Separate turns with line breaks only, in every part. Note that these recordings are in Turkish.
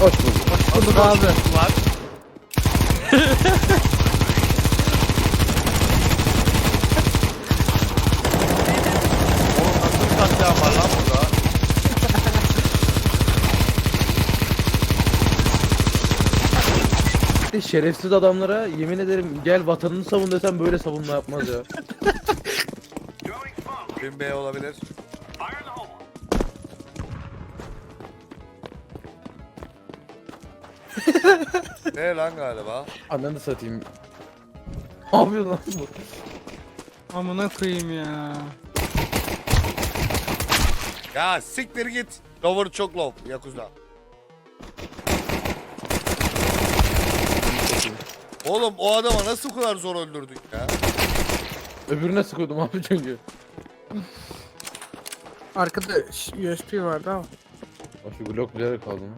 Hoş bulduk.
Hoş bulduk abi.
Var. Oğlum nasıl bir katliam var lan burada?
Şerefsiz adamlara yemin ederim gel vatanını savun desem böyle savunma yapmaz ya.
Bin B olabilir. Ne lan galiba?
Ananı satayım. Ne yapıyor lan bu?
Amına koyayım ya.
Ya siktir git. Lower çok low. Yakuza. Oğlum o adama nasıl bu kadar zor öldürdük ya?
Öbürüne sıkıyordum abi çünkü.
Arkada USB vardı ama.
Bak şu Glock güzel kaldı mı?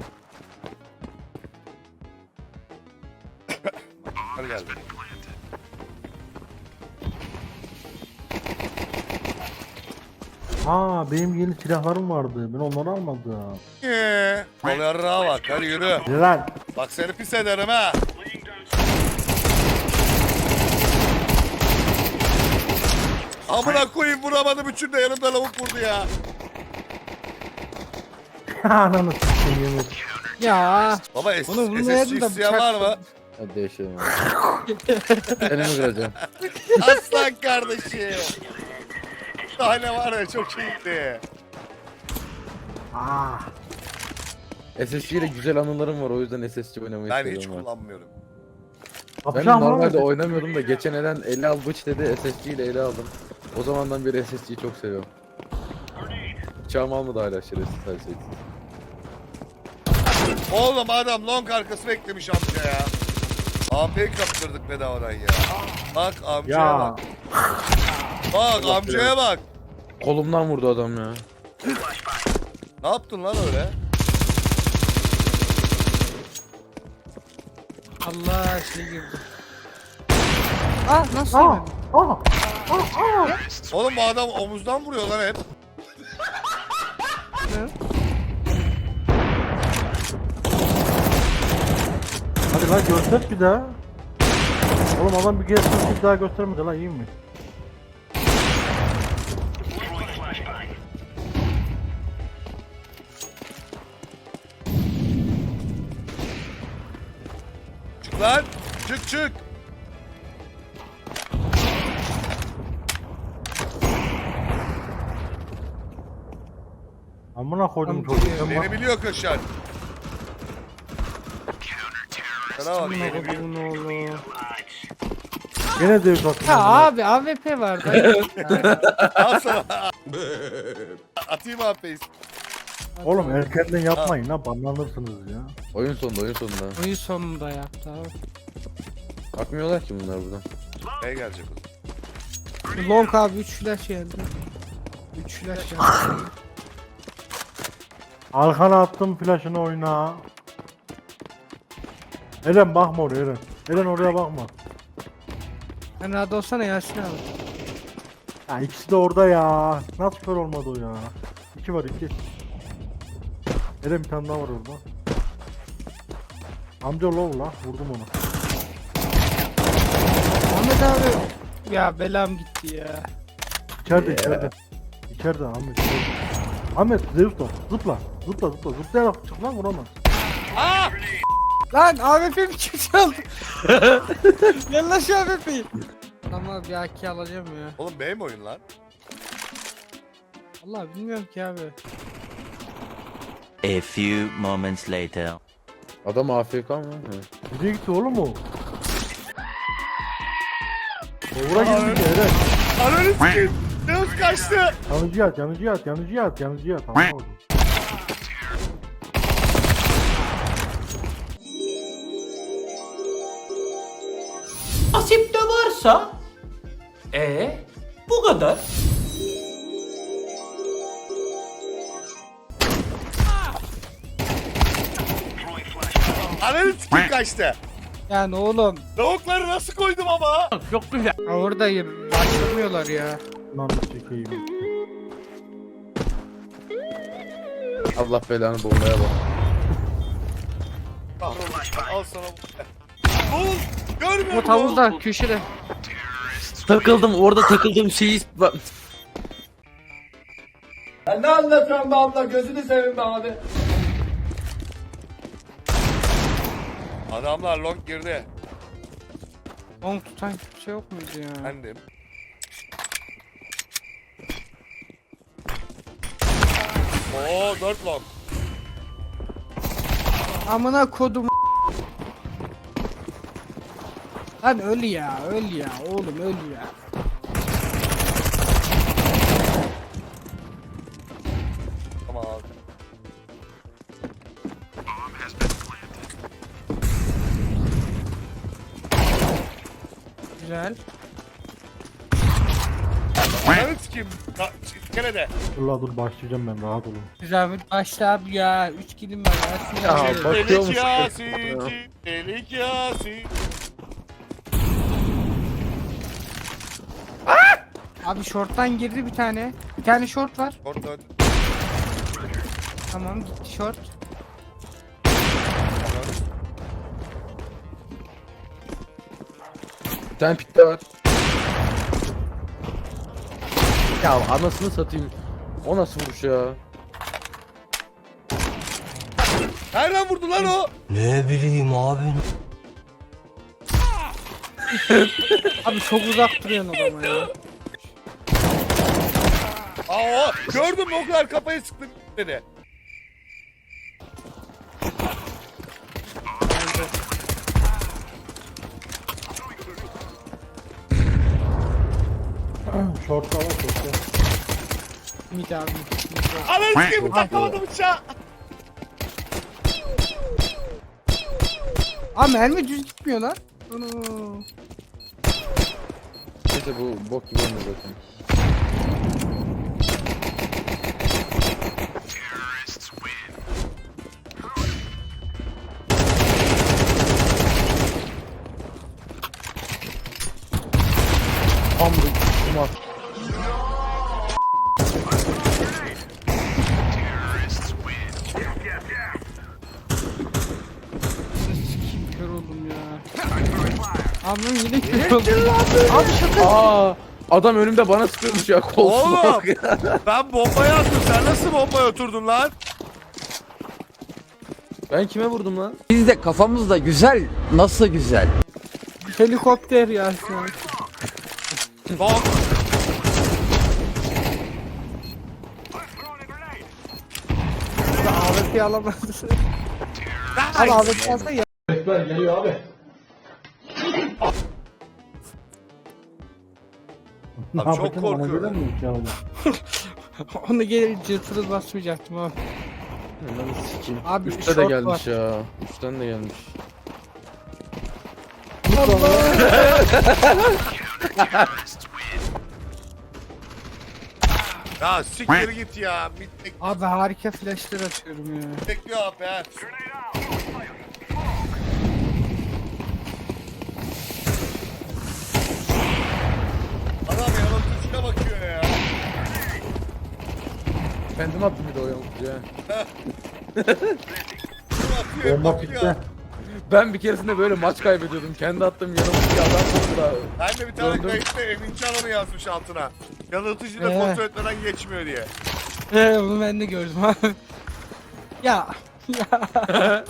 Hadi geldi.
Ha benim yeni silahlarım vardı. Ben onları almadım.
Yol yarrağa bak. Hadi yürü.
Lan.
Bak seni pis ederim ha. Amına koyayım vuramadım üçünü de yanımda lavuk vurdu ya.
Ananı s**eyim yemin.
Ya.
Baba
Bunu vurmayaydım
SSC
da
isteyen
bıçak-
var mı?
Hadi yaşayalım abi. Elimi kıracağım.
Aslan kardeşim. Daha ne var ya çok iyiydi.
Ah.
SSC ile güzel anılarım var o yüzden SSC oynamayı
Ben
istiyorum
hiç
ben.
kullanmıyorum.
Ben
Kapışan var
normalde
mı?
oynamıyordum da geçen elen ele al bıç dedi SSC ile ele aldım. O zamandan beri SSC'yi çok seviyorum. Bıçağımı almadı hala şerefsiz her şey.
Oğlum adam long arkası beklemiş amca ya. AP'yi kaptırdık bedavadan ya. Bak amcaya
Ya.
bak. Bak amcaya bak.
Kolumdan vurdu adam ya.
Ne yaptın lan öyle?
Allah şey girdi. Ah nasıl
Ah.
yemedi?
Ah.
Oğlum bu adam omuzdan vuruyor lan hep.
Hadi lan göster bir daha. Oğlum adam bir gelsin bir daha göstermedi lan iyi mi?
Çık lan. Çık çık.
Amına koydum
Amca
çocuğu.
ya.
Sen bak.
Beni biliyor Kaşar. Sana bak
Amına
beni biliyor.
koyduğum oğlu.
Gene dev tatlı.
Ya abi AWP vardı.
Al sana. Atayım AP'yi.
Oğlum erkenden yapmayın lan banlanırsınız ya.
Oyun sonunda oyun sonunda.
Oyun sonunda yaptı abi.
Bakmıyorlar ki bunlar buradan.
Ne gelecek o?
Long abi 3 flash geldi. 3 flash geldi.
Arkana attım flaşını oyna. Eren bakma oraya Eren. Eren oraya bakma.
Sen rahat olsana Yasin abi.
Ya ikisi de orada ya. Nasıl kör olmadı o ya? İki var iki. Eren bir tane daha var orada. Amca low la vurdum onu.
Ahmet abi. Ya belam gitti ya.
İçeride içeride. İçeride Ahmet. içeride. Ahmet Zeus da zıpla. Zıpla zıpla. Zıplayarak çık lan vuramaz.
Lan AWP'mi kim çaldı? Gel lan şu AWP'yi. Ama bir AK alacağım ya.
Oğlum benim oyun lan.
Vallahi bilmiyorum ki abi.
A few moments later.
Adam AFK mı? Hı.
Nereye gitti oğlum o? Doğura gitti Eren.
Ananı sikeyim. Deus kaçtı.
Yanıcıya at yanıcıya at yanıcıya at yanıcıya at. Tamam oldu.
Nasip de varsa bu kadar.
Ananı sikeyim kaçtı.
Yani oğlum.
Tavukları nasıl koydum ama?
Ha oradayım. Başlamıyorlar ya.
Lan çekeyim.
Allah belanı bombaya bak.
Al sana. Oğlum görmüyor
O
musun?
tavuzda köşede.
Takıldım orada takıldığım şeyi...
Ne anlatıyorsun be abla, gözünü seveyim be abi.
Adamlar long girdi.
Long tutan kimse yok muydu ya?
Bendim. Oo 4 long.
Amına kodum. Lan öl ya, öl ya, oğlum öl ya.
Tamam abi.
Güzel.
Ananı sikeyim. Gene de.
Dur la dur başlayacağım ben, rahat olun.
Güzel bir başla abi ya. 3 kilim var ya.
Ya
Sinirlendim.
bak- Bakıyor
Delik
musun?
Yasin. Delik Yasin.
Abi short'tan girdi bir tane. Bir tane short var.
Orada öldü.
Tamam gitti short.
Bir tane pitte var. Ya anasını satayım. O nasıl vuruş ya?
Nereden vurdu lan o?
Abi çok uzak duruyorsun adama ya.
Aa o. Gördün mü o kadar kafayı sıktım dedi.
Short'ta var short'ta.
Mid abi.
Ananı sikeyim takamadım bıçağı.
Abi mermi düz gitmiyor lan. Onu.
Neyse bu bok gibi olmuyor zaten. Tam bu kumar.
Kör oldum ya. Abi yine kör oldum. Abi şaka.
Aa, adam önümde bana sıkıyormuş ya koltuğuna
Oğlum.
bak ya.
Ben bombaya attım. Sen nasıl bombaya oturdun lan?
Ben kime vurdum lan?
Biz de kafamızda güzel. Nasıl güzel?
Helikopter ya şu an.
Long.
AWP alamaz. Abi AWP alsa ya.
Ekber geliyor abi.
Ne
Abi çok
yapacağım, bana
korkuyorum.
gelir mi ki abi?
Onu gelince tırıl basmayacaktım abi.
Lan sikeyim.
Abi
Üste de
short
gelmiş ya. Üstten de gelmiş.
Ya siktir git ya. Mid
Abi harika flashlar atıyorum ya.
bekliyor abi ha. Adam yanıltıcına bakıyor ya.
Kendim attım bir de o yamukçu ya.
Bakıyor,
Bomba
bakıyor.
pitte.
Ben bir keresinde böyle maç kaybediyordum. Kendi attığım yanımdaki adam vurdu da.
Ben de bir tane
Döndüm.
kayıtta Emin Canan'ı yazmış altına. Yanıltıcı da kontrol etmeden geçmiyor diye.
Bunu ben de gördüm abi. Ya. Ya.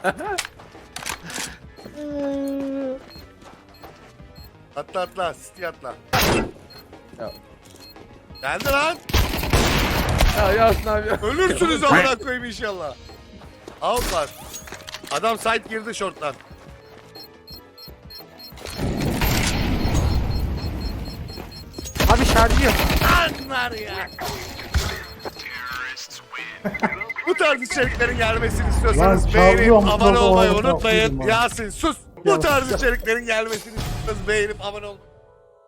Atla atla, City atla.
Ya.
Geldi lan.
Ya Yasin abi ya.
Ölürsünüz amına koyayım inşallah. Out var. Adam side girdi short'tan.
Abi şarjı yok.
Anlar ya. Bu tarz içeriklerin gelmesini istiyorsanız
Lan
beğenip
çağırıyorum,
abone olmayı
çağırıyorum,
unutmayın.
çağırıyorum abi.
Yasin sus. Bu tarz içeriklerin gelmesini istiyorsanız beğenip abone olmayı